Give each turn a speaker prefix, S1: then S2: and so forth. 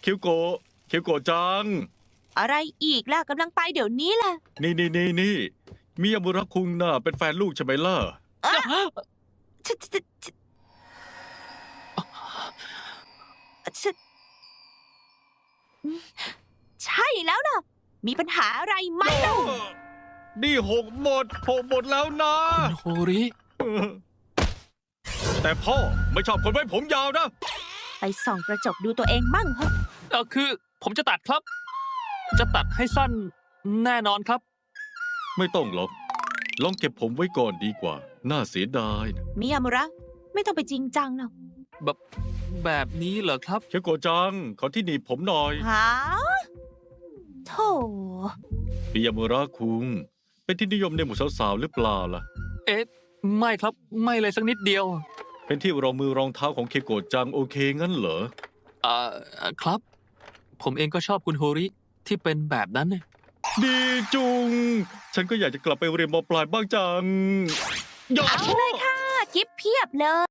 S1: คิวโกะคิวโกะจัง
S2: อะไรอีกล่ะกำลังไปเดี๋ยวนี้แหละ
S1: นี่มิยามุระคุงน่ะเป็นแฟนลูกใช่ไหมล่ะ
S2: ฉะฉะฉะฉะใช่แล้วล่ะ มีปัญหาอะไรไหมเล่า
S1: นี่หกหมดแล้วนะ
S3: คุณโฮริ
S1: แต่พ่อไม่ชอบคนไว้ผมยาวนะ
S2: ไปส่องกระจกดูตัวเองมั่งเหอะ
S3: คือผมจะตัดครับ จะตัดให้สั้นแน่นอนครับ
S1: ไม่ต้องหรอกลองเก็บผมไว้ก่อนดีกว่า น่าเสียดายนะ
S2: มิยามุระ ไม่ต้องไปจริงจังหรอก
S3: แบบนี้เหรอครับ
S1: เคียวโกะจัง ขอที่หนีบผมหน่อย
S2: หาโธ่
S1: มิยามุระคุง เป็นที่นิยมในหมู่สาวๆหรือเปล่าล่ะ
S3: เอ๊ะ ไม่ครับ ไม่เลยสักนิดเดียว
S1: เป็นที่รองมือรองเท้าของเคโกะจังโอเคงั้นเหรอ
S3: ครับ ผมเองก็ชอบคุณโฮริที่เป็นแบบนั้นเนี่ย
S1: ดีจุง ฉันก็อยากจะกลับไปเรียนมปลายบ้างจัง
S2: เอาเลยค่ะ กิฟเพียบเลย